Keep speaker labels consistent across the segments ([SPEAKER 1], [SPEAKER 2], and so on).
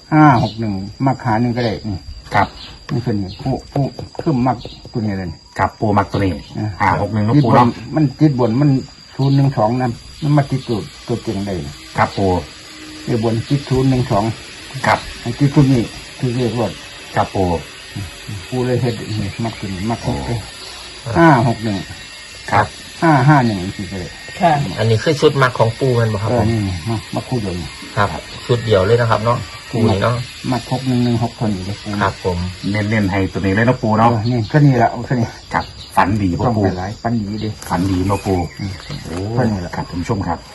[SPEAKER 1] 561มักหาหนึ่งก็ได้นี่
[SPEAKER 2] ครับ
[SPEAKER 1] นี่ส่วนนี้ผู้ขึ้นมักตัวนี้เลย
[SPEAKER 2] ครับปูมักตัวนี้561นะปู
[SPEAKER 1] บ
[SPEAKER 2] เนาะ
[SPEAKER 1] มันจิตบนมัน012นะมันมาจิตตัวเก่งได้
[SPEAKER 2] ครับปู
[SPEAKER 1] เรียกบนจิต012
[SPEAKER 2] ครับ
[SPEAKER 1] ไอ้จิตตัวนี้คือเรียกว่า
[SPEAKER 2] ครับปู
[SPEAKER 1] ผู้เลยเฮ็ดนี่มักตัวนี้มักเลย561
[SPEAKER 2] ครับ
[SPEAKER 1] 551สิเลย
[SPEAKER 3] ค่ะ
[SPEAKER 4] อันนี้คือชุดมักของปูมันบ่ครับผม
[SPEAKER 1] นี่มาคู่เดียวนี่
[SPEAKER 4] ครับชุดเดียวเลยนะครับเนาะปูนี่เนาะ
[SPEAKER 1] มัก6116คนอยู่เลย
[SPEAKER 4] ครับผม
[SPEAKER 2] เน้นให้ตัวนี้เลยนะปูเนาะ
[SPEAKER 1] นี่ก็นี่ละเอาแค่นี้
[SPEAKER 2] ครับฝันดีพ่
[SPEAKER 1] ต้อง
[SPEAKER 2] ปู
[SPEAKER 1] ไปหลายปันดีดิ
[SPEAKER 2] ฝันดีนะปูโอ้
[SPEAKER 1] ฝันดีละ
[SPEAKER 2] ครับท่านผู้ชมครับ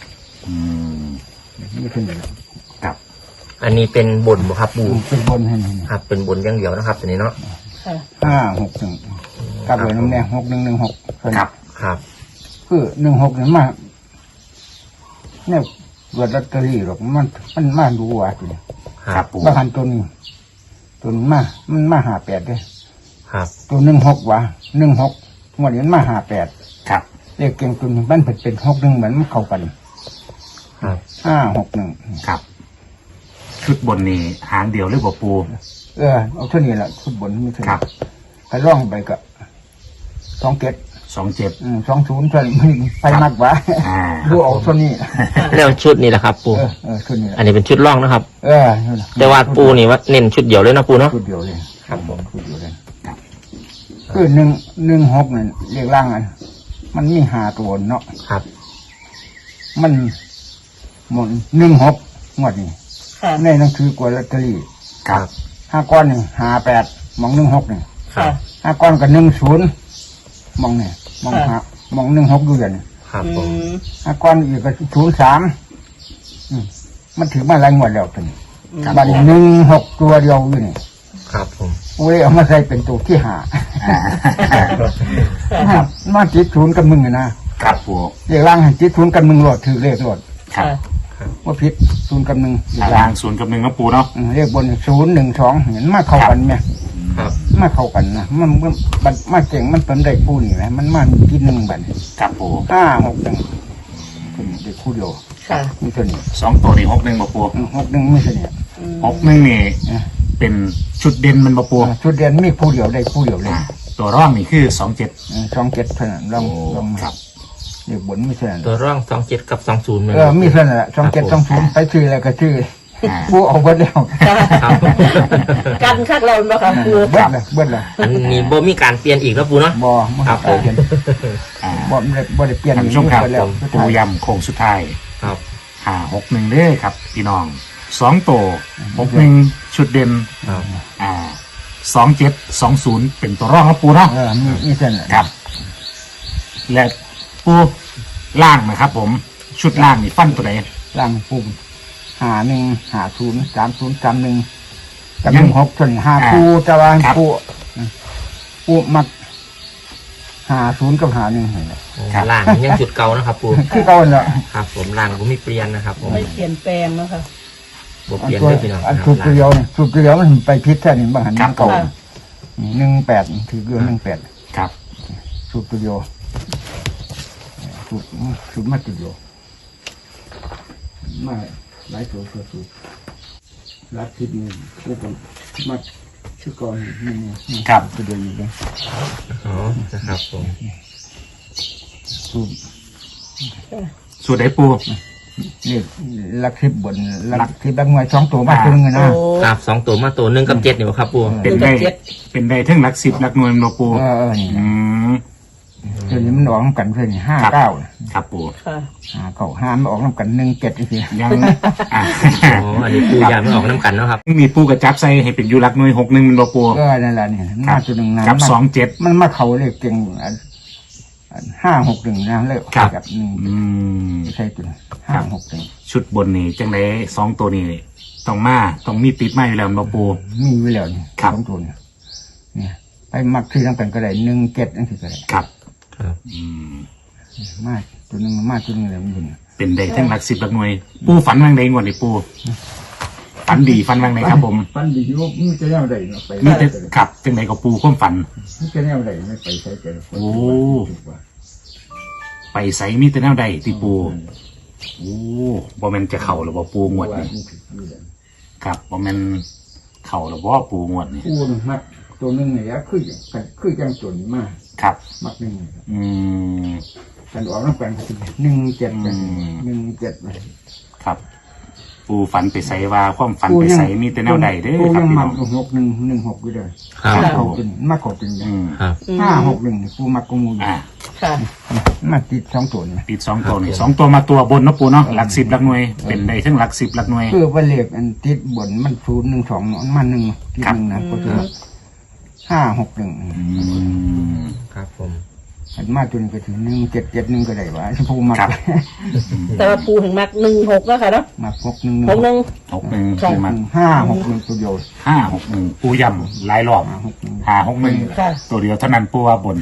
[SPEAKER 1] นี่ขึ้นอยู่แล้ว
[SPEAKER 2] ครับ
[SPEAKER 4] อันนี้เป็นบนบ่ครับปู
[SPEAKER 1] เป็นบนให้นี่
[SPEAKER 4] ครับเป็นบนอย่างเดียวนะครับตัวนี้เนาะ
[SPEAKER 3] ค่ะ
[SPEAKER 1] 561กับเลยน้ำแดง6116
[SPEAKER 2] ครับ
[SPEAKER 4] ครับ
[SPEAKER 1] คือ16นี่มาเนี่ยเกิดลอตเตอรี่หรอกมันมาดูว่าทีนี้
[SPEAKER 2] ครับปู
[SPEAKER 1] บางหันตัวนี้ตัวนี้มันมา58เด้
[SPEAKER 4] ครับ
[SPEAKER 1] ตัว16ว่ะ16งวดนี้มันมา58
[SPEAKER 2] ครับ
[SPEAKER 1] เลขเก่งตัวนี้มันเป็น61เหมือนมันเข้ากัน
[SPEAKER 4] ครับ
[SPEAKER 1] 561
[SPEAKER 2] ครับ ชุดบนนี้หางเดียวหรือเปล่าปู
[SPEAKER 1] เอาเท่านี้แหละฟุตบอลไม่ใช่
[SPEAKER 2] ครับ
[SPEAKER 1] ไปร่องไปก็27
[SPEAKER 2] 27
[SPEAKER 1] 20เท่านี้ไปมากกว่า ดูออกเท่านี้
[SPEAKER 4] แล้วชุดนี้แหละครับปู
[SPEAKER 1] เท่านี้แหละ
[SPEAKER 4] อันนี้เป็นชุดร่องนะครับ
[SPEAKER 1] นั่นแหละ
[SPEAKER 4] แต่ว่าปูนี่ว่าเน้นชุดเดียวเลยนะปูเนาะ
[SPEAKER 1] ชุดเดียวเลย
[SPEAKER 4] ครับผม
[SPEAKER 1] ชุดเดียวเลยคือ116นั่นเรียกร่างอันมันมี5ตัวเนาะ
[SPEAKER 4] ครับ
[SPEAKER 1] มันหมด16งวดนี้
[SPEAKER 3] ค่ะ
[SPEAKER 1] ในหนังสือกว่าลอตเตอรี่
[SPEAKER 2] ครับ
[SPEAKER 1] 5ก้อนนี่58มอง16นี่
[SPEAKER 4] ครับ
[SPEAKER 1] 5ก้อนก็10มองนี่มองมอง16ดูอย่างนี้
[SPEAKER 4] ครับผม
[SPEAKER 1] 5ก้อนอีกก็03มันถือมาหลายงวดแล้วเป็นบัดนี้16ตัวเดียวอยู่นี่
[SPEAKER 4] ครับผม
[SPEAKER 1] โอ้ยเอามาใส่เป็นตัวที่5มาจิต0กับ1นะครับ
[SPEAKER 2] ปู
[SPEAKER 1] เรียกร่างให้จิต0กับ1โลดถือเลขโลด
[SPEAKER 2] ครับ
[SPEAKER 1] ว่าผิด0กับ1เรียก
[SPEAKER 2] ล่า
[SPEAKER 1] ร่าง
[SPEAKER 2] ง0 กับ 1นะปูเนาะ
[SPEAKER 1] เรียกบน012เห็นมาเข้ากันไหม
[SPEAKER 4] ครับ
[SPEAKER 1] มาเข้ากันนะมันมาเก่งมันเป็นได้คู่นี่นะมันมากิน1บัด
[SPEAKER 2] ครับปู
[SPEAKER 1] 561เป็นได้คู่เดียว
[SPEAKER 3] ค่ะ
[SPEAKER 1] มีตัวนี้
[SPEAKER 2] 2ตัวนี้61บ่ปู
[SPEAKER 1] 61ไม่ใช่เนี่ย
[SPEAKER 2] 61นี่เป็นชุดเด่นมันบ่ปู
[SPEAKER 1] ชุดเรียนมีคู่เดียวได้คู่เดียวเลย
[SPEAKER 2] ตัวร่องนี่คือ27
[SPEAKER 1] 27เท่านั้นลอง
[SPEAKER 2] ครับ
[SPEAKER 1] เรียกบนไม่ใช่นั่น
[SPEAKER 4] ตัวร่อง27กับ20เหมือน
[SPEAKER 1] มีเท่านั้นแหละ2720ไปชื่ออะไรก็ชื่อผู้เอาเบิดแล้ว
[SPEAKER 4] ครับ
[SPEAKER 3] กันคักเราบ่ค่ะปู
[SPEAKER 1] เบิดเลย
[SPEAKER 4] อันนี้บ่มีการเปลี่ยนอีกแล้วปูเนาะ
[SPEAKER 1] บ่
[SPEAKER 4] ครับผม
[SPEAKER 1] เปลี่ยน
[SPEAKER 2] อ่า
[SPEAKER 1] บ่ได้เปลี่ยน
[SPEAKER 2] ท่านผู้ชมครับ
[SPEAKER 1] เบิดแล้ว
[SPEAKER 2] ปูยำโค้งสุดท้าย
[SPEAKER 4] ครับ
[SPEAKER 2] 561เด้อครับพี่น้อง2ตัว61ชุดเด่น
[SPEAKER 4] ครับ
[SPEAKER 2] 2720เป็นตัวร่องครับปูเนาะ
[SPEAKER 1] มีเท่านั้น
[SPEAKER 2] ครับ และปูล่างนะครับ ผมชุดล่างนี่ฟันตัวไหน
[SPEAKER 1] ล่างปุ่ม5150 3031กับ16ส่วน5คู่จะว่าคู่มัก50กับ51เห็นแล้ว
[SPEAKER 4] ล่างยังจุดเก่านะครับปู
[SPEAKER 1] คือเก่าแล้ว
[SPEAKER 4] ครับผมล่างผมมีเปลี่ยนนะครับผม
[SPEAKER 3] ไม่เปลี่ยนแปลงแล้วค่ะ
[SPEAKER 4] บ่เปลี่ยนเลยพี่น้อง
[SPEAKER 1] อัน
[SPEAKER 4] ค
[SPEAKER 1] สู
[SPEAKER 4] รั
[SPEAKER 1] ตรเดียวเนี่ยสูตรเดียวมันไปพิษแค่นี้บางหันเก่า
[SPEAKER 3] ค่ะ
[SPEAKER 1] 18ถือเดือน18
[SPEAKER 2] ครับ
[SPEAKER 1] สูตรเดียวสูตรมาตัวเดียวมาหลายตัวสูตรรัดทิศนี่แล้วก็มาชื่อก่อนนี่
[SPEAKER 2] ครับ
[SPEAKER 1] ตัวเดียวอยู่เลย
[SPEAKER 4] อ๋อนะครับผม
[SPEAKER 1] สูตร
[SPEAKER 2] สูตรไหนปู
[SPEAKER 1] นี่ลักทิพบนลักทิพลักงวย2ตัวมาตัวนึงนะ
[SPEAKER 3] โอ้
[SPEAKER 4] ครับ2ตัวมาตัว1กับ7นี่บ่ครับปู
[SPEAKER 2] เป็นได้เป็นได้ทั้งหลัก10หลักหน่วยมันบ่ปู
[SPEAKER 1] นี่
[SPEAKER 2] อืม
[SPEAKER 1] ตัวนี้มันออกน้ำกันเพื่อน59
[SPEAKER 2] ครับปู
[SPEAKER 3] ค่ะ
[SPEAKER 1] 5มันออกน้ำกัน17อีกที
[SPEAKER 2] ยังอ่ะ
[SPEAKER 4] อ๋ออันนี้ปูยาไม่ออกน้ำกันเนาะครับ
[SPEAKER 2] มีปูกระจับใส่ให้เป็นอยู่หลักหน่วย61มันบ่ปู
[SPEAKER 1] นั่นแหละนี่มาตัวหนึ่งนะ
[SPEAKER 2] กับ27
[SPEAKER 1] มันมาเขาเลยเก่ง561นะเลยกับ1
[SPEAKER 2] อืม
[SPEAKER 1] ใช่ตัว561
[SPEAKER 2] ชุดบนนี่จังได2ตัวนี้ต้องมีติดมาอยู่แล้วมันบ่ปู
[SPEAKER 1] มีไว้แล้วนี่
[SPEAKER 2] ครับ
[SPEAKER 1] 2ตัวเนี่ยไปมักที่ทั้งกันก็ได้17นั่นคือก็ได้
[SPEAKER 2] ครับ
[SPEAKER 4] ครับ
[SPEAKER 2] อืม
[SPEAKER 1] มาตัวหนึ่งมาตัวหนึ่งเลยมันอยู่
[SPEAKER 2] เป็นได้ทั้งหลัก10หลักหน่วย ปูฝันวางใดงวดนี่ปูฝันดีฝันวางใดครับผม
[SPEAKER 1] ฟันดีว่ามึงจะแนวใดไป
[SPEAKER 2] มีแต่ขับจังไดกับปูความฝัน
[SPEAKER 1] มึงจะแนวใดไม่ไปใช้ใจ
[SPEAKER 2] โอ้ ไปใส่มีแต่แนวใดที่ปูโอ้บ่แม่นจะเข้าหรือบ่ปูงวดนี่ครับบ่แม่นเข่าหรือว่าปูงวดนี่
[SPEAKER 1] ปูนมักตัวหนึ่งเนี่ยคือจังตัวนี้มาก
[SPEAKER 2] ครับ
[SPEAKER 1] มักหนึ่ง
[SPEAKER 2] อืม
[SPEAKER 1] กันออกน้ำกันก็คือ1 7กัน
[SPEAKER 2] อืม
[SPEAKER 1] 1 7ไป
[SPEAKER 2] ครับ ปูฝันไปใส่ว่าความฝันไปใส่มีแต่แนวใดเด้อ
[SPEAKER 1] ปู
[SPEAKER 2] ครับ
[SPEAKER 1] ยัง
[SPEAKER 2] พี่
[SPEAKER 1] มั
[SPEAKER 2] น้
[SPEAKER 1] ก
[SPEAKER 2] อง
[SPEAKER 1] 6 1 1 6อยู่เลย
[SPEAKER 4] ครับ
[SPEAKER 1] มา
[SPEAKER 4] ปู
[SPEAKER 1] เขาเป็นมาเขาเป็น
[SPEAKER 2] อืม
[SPEAKER 4] ครับ
[SPEAKER 1] 5 6 1ปูมักกมูอยู่
[SPEAKER 2] อ่า
[SPEAKER 3] ค่ะ
[SPEAKER 1] มาติด2ตัวนี่
[SPEAKER 2] ติด2ตัวนี่2ตัวมาตัวบนเนาะปูเนาะหลัก10หลักหน่วยเป็นได้ทั้งหลัก10หลักหน่วย
[SPEAKER 1] คือว่าเลขอันติดบนมัน0 1 2มัน1ติด1นะก็คือ5 6 1
[SPEAKER 2] อืม
[SPEAKER 4] ครับผม
[SPEAKER 1] อันมาตัวนี้ก็ถึง1 7 7 1ก็ได้ว่าปูมัก
[SPEAKER 2] ครับ
[SPEAKER 3] แต่ว่าปูถึงมัก16แล้วค่ะเนาะ
[SPEAKER 1] มัก6 1
[SPEAKER 3] 6 1
[SPEAKER 2] 61คือมัน
[SPEAKER 1] 5 6 1ตัวเดียว
[SPEAKER 2] 561ปูย่ำหลายรอบ
[SPEAKER 1] 5 6 1
[SPEAKER 2] 561
[SPEAKER 3] ค่ะ
[SPEAKER 2] ตัวเดียวเท่านั้นปูว่าบน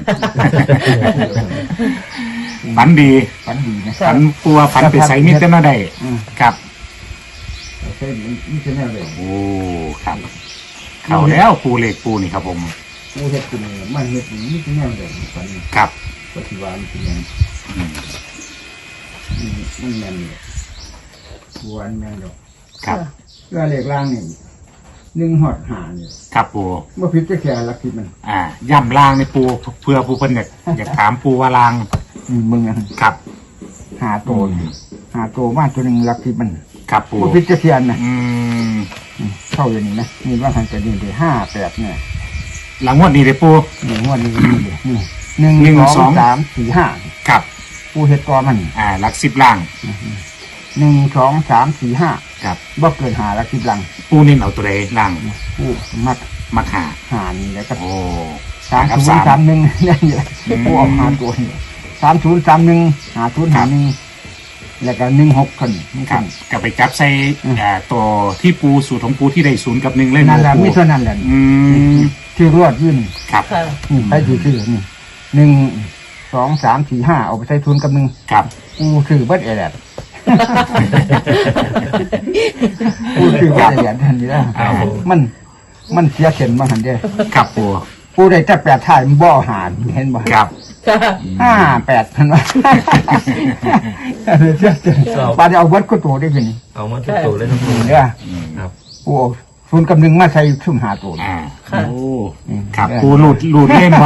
[SPEAKER 2] ฝันดี
[SPEAKER 1] ฝันดีนะ
[SPEAKER 2] ฝันปูว่าฝันไปใส่มิตรแนวใด
[SPEAKER 1] อืม
[SPEAKER 2] ครับ
[SPEAKER 1] ใช่นี่ใช่แน่เลย
[SPEAKER 2] โอ้ครับ เข้าแล้วปูเหล็กปูนี่ครับผม
[SPEAKER 1] ปูเฮ็ดขึ้นมันเฮ็ดนี่ใช่แน่เลยฝัน
[SPEAKER 2] ครับ
[SPEAKER 1] ปฏิวัติเป็นยัง
[SPEAKER 2] อืม
[SPEAKER 1] มันแม่นเลยบัวแม่นดอก
[SPEAKER 2] ครับ
[SPEAKER 1] เรื่องเลขล่างนี่1 หอดหาเนี่ย
[SPEAKER 2] ครับปู
[SPEAKER 1] บ่ผิดจะแค่ลักทิมัน
[SPEAKER 2] ย่ำลางในปูเพื่อปูเพิ่นอยากถามปูว่าลาง
[SPEAKER 1] มึงอ่ะ
[SPEAKER 2] ครับ
[SPEAKER 1] หาโตนี่หาโตมาตัวหนึงลักทิมัน
[SPEAKER 2] ครับปู
[SPEAKER 1] บ่ผิดจะเทียนนะ
[SPEAKER 2] อืม
[SPEAKER 1] เข้าอย่างนี้นะนี่ว่าหันจะดีได้5 8เนี่ย
[SPEAKER 2] หลังงวดนี้เลยปู
[SPEAKER 1] นี่งวดนี้นี่เลยนี่1 2 3 4 5
[SPEAKER 2] ครับ
[SPEAKER 1] ปูเฮ็ดก่อมัน
[SPEAKER 2] หลัก10ล่าง
[SPEAKER 1] 1 2 3 4 5
[SPEAKER 2] ครับ
[SPEAKER 1] บ่เกิน5ลักทิลัง
[SPEAKER 2] ปูเน้นเอาตัวใดล่าง
[SPEAKER 1] ปูมัก
[SPEAKER 2] มักหา
[SPEAKER 1] หานี่แล้วก็
[SPEAKER 2] โอ้
[SPEAKER 1] 3031นี่แหละปูออกหาตัวนี่3031 5051แล้วก็16คนนี่
[SPEAKER 2] ค
[SPEAKER 1] กั
[SPEAKER 2] รับ
[SPEAKER 1] น
[SPEAKER 2] ก็ไปจับใส่ ตัวที่ปูสูตรของปูที่ได้0 กับ 1เล่น
[SPEAKER 1] นั่นแหละ
[SPEAKER 2] ปู
[SPEAKER 1] มีเท่านั้นแหละ
[SPEAKER 2] อืม
[SPEAKER 1] ที่รวดยื่น
[SPEAKER 2] ครับ
[SPEAKER 3] ค่ะ
[SPEAKER 1] นี่ไปซื้อนี่1 2 3 4 5เอาไปใส่ทุนกับ1
[SPEAKER 2] ครับ
[SPEAKER 1] กูซื้อเบิดแอดกูซื้อเบิดแอดทันทีแล้วมันเสียเข็นมาหันเด้
[SPEAKER 2] ครับปู
[SPEAKER 1] กูได้แต่8ถ่ายมันบ่หารเห็นบ่
[SPEAKER 2] ครับ
[SPEAKER 3] ค่ะ
[SPEAKER 1] 58พันว่าเสียเข็นปาได้เอาเบิดก็โตได้เป็น
[SPEAKER 4] เอามาทุกตัวเลยนะปู
[SPEAKER 1] เด้อ
[SPEAKER 4] ครับ
[SPEAKER 1] กูเอาทุนกับ1มาใส่ซุ่มหาตัว
[SPEAKER 2] โอ้ครับปูหลุดเล่นบ่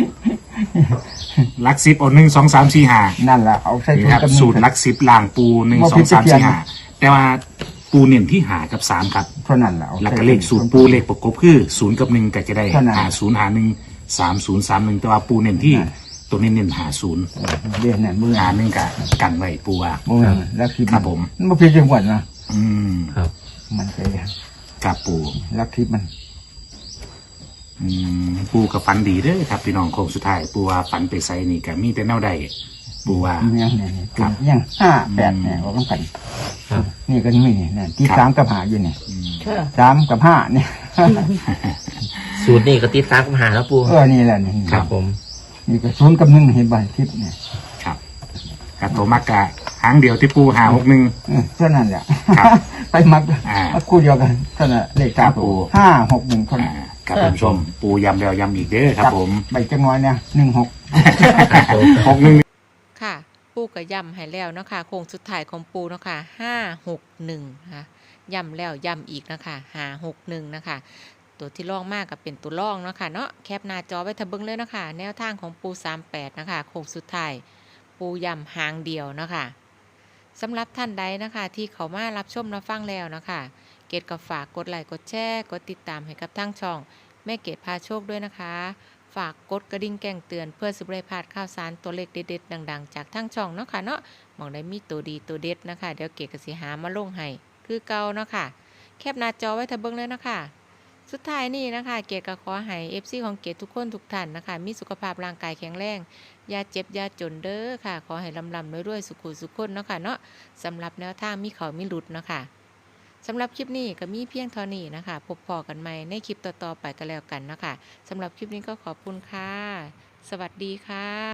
[SPEAKER 2] ลัก10เอา1 2 3 4 5
[SPEAKER 1] นั่นล่ะเอาใส่
[SPEAKER 2] นี่
[SPEAKER 1] ทุน
[SPEAKER 2] ครับ
[SPEAKER 1] กับ
[SPEAKER 2] สูตรลัก10ล่างปู1 2 3 4 5แต่ว่าปูเน้นที่หากับ3ครับ
[SPEAKER 1] เท่านั้นล่ะ
[SPEAKER 2] แล้วก็เลขสูตรปูเลขประกบคือ0 กับ 1ก็จะได้
[SPEAKER 1] เท่านั้น
[SPEAKER 2] หา0หา1 30 31แต่ว่าปูเน้นที่ตัวนี้เน้นหา0
[SPEAKER 1] เด้นั่นมื้อ
[SPEAKER 2] หา1ก็กันไว้ปูว่า
[SPEAKER 1] มื้อลักทิพย์
[SPEAKER 2] ครับผม
[SPEAKER 1] มันบ่ผิดจังหวัดนะ
[SPEAKER 2] อืม
[SPEAKER 4] ครับ
[SPEAKER 1] มันใช่
[SPEAKER 2] ครับปู
[SPEAKER 1] ลักทิพย์มัน
[SPEAKER 2] ปูกับฝันดีเด้อครับพี่น้องโค้งสุดท้ายปูว่าฝันไปใส่นี่ก็มีแต่แนวใดปูว่า
[SPEAKER 1] ยังเนี่ย
[SPEAKER 2] ครับ
[SPEAKER 1] ยัง58เนี่ยออกกัน
[SPEAKER 4] ครับ
[SPEAKER 1] นี่ก็มีนี่ที่
[SPEAKER 2] ครับ
[SPEAKER 1] 3กับ5อยู่นี่
[SPEAKER 3] ค่ะ
[SPEAKER 1] 3กับ5เนี่ย
[SPEAKER 4] สูตรนี่ก็ติด3กับหาแล้วปู
[SPEAKER 1] นี่แหละนี่
[SPEAKER 4] ครับผม
[SPEAKER 1] นี่ก็0กับ1เห็นบ่ทิพย์เนี่ย
[SPEAKER 2] ครับกับตัวมักกะหางเดียวที่ปูหา61
[SPEAKER 1] เท่านั้นแหละ
[SPEAKER 2] ครับ
[SPEAKER 1] ไปมัก
[SPEAKER 2] อ่า
[SPEAKER 1] คู่เดียวกันเท่านั้นเลข
[SPEAKER 2] ครับ
[SPEAKER 1] 3
[SPEAKER 2] ปู
[SPEAKER 1] 5 6 1เท่านั้น
[SPEAKER 2] ครับท่านผู้ชม ปูย้ำแล้วย้ำอีกเด้อครับผม
[SPEAKER 1] ใบจังน้อยเนี่ย16
[SPEAKER 2] 61
[SPEAKER 5] ค่ะ ปูก็ย่ำให้แล้วเนาะค่ะโค้งสุดท้ายของปูเนาะค่ะ561นะคะย่ำแล้วย่ำอีกนะคะ561นะคะตัวที่ล่องมากก็เป็นตัวล่องเนาะค่ะเนาะแคปหน้าจอไว้ทะเบิงเลยเนาะค่ะแนวทางของปู38นะคะโค้งสุดท้ายปูย่ำหางเดียวเนาะค่ะสำหรับท่านใดนะคะที่เขามารับชมรับฟังแล้วเนาะค่ะเกดก็ฝากกดไลค์กดแชร์กดติดตามให้กับทั้งช่องแม่เกดพาโชคด้วยนะคะฝากกดกระดิ่งแจ้งเตือนเพื่อสิบได้พลาดข่าวสารตัวเลขเด็ดๆดังๆจากทั้งช่องเนาะค่ะเนาะมองได้มีตัวดีตัวเด็ดนะคะเดี๋ยวเกดก็สิหามาลงให้คือเก่าเนาะค่ะแคปหน้าจอไว้ทะเบิงเลยเนาะค่ะสุดท้ายนี่นะคะเกดก็ขอให้ FC ของเกดทุกคนทุกท่านนะคะมีสุขภาพร่างกายแข็งแรงอย่าเจ็บอย่าจนเด้อค่ะขอให้ลำๆรวยๆสุขุสุขคนเนาะค่ะเนาะสำหรับแนวทางมีเขามีหลุดเนาะค่ะสำหรับคลิปนี้ก็มีเพียงเท่านี้นะคะพบพอกันใหม่ในคลิปต่อๆไปก็แล้วกันนะคะสำหรับคลิปนี้ก็ขอบคุณค่ะสวัสดีค่ะ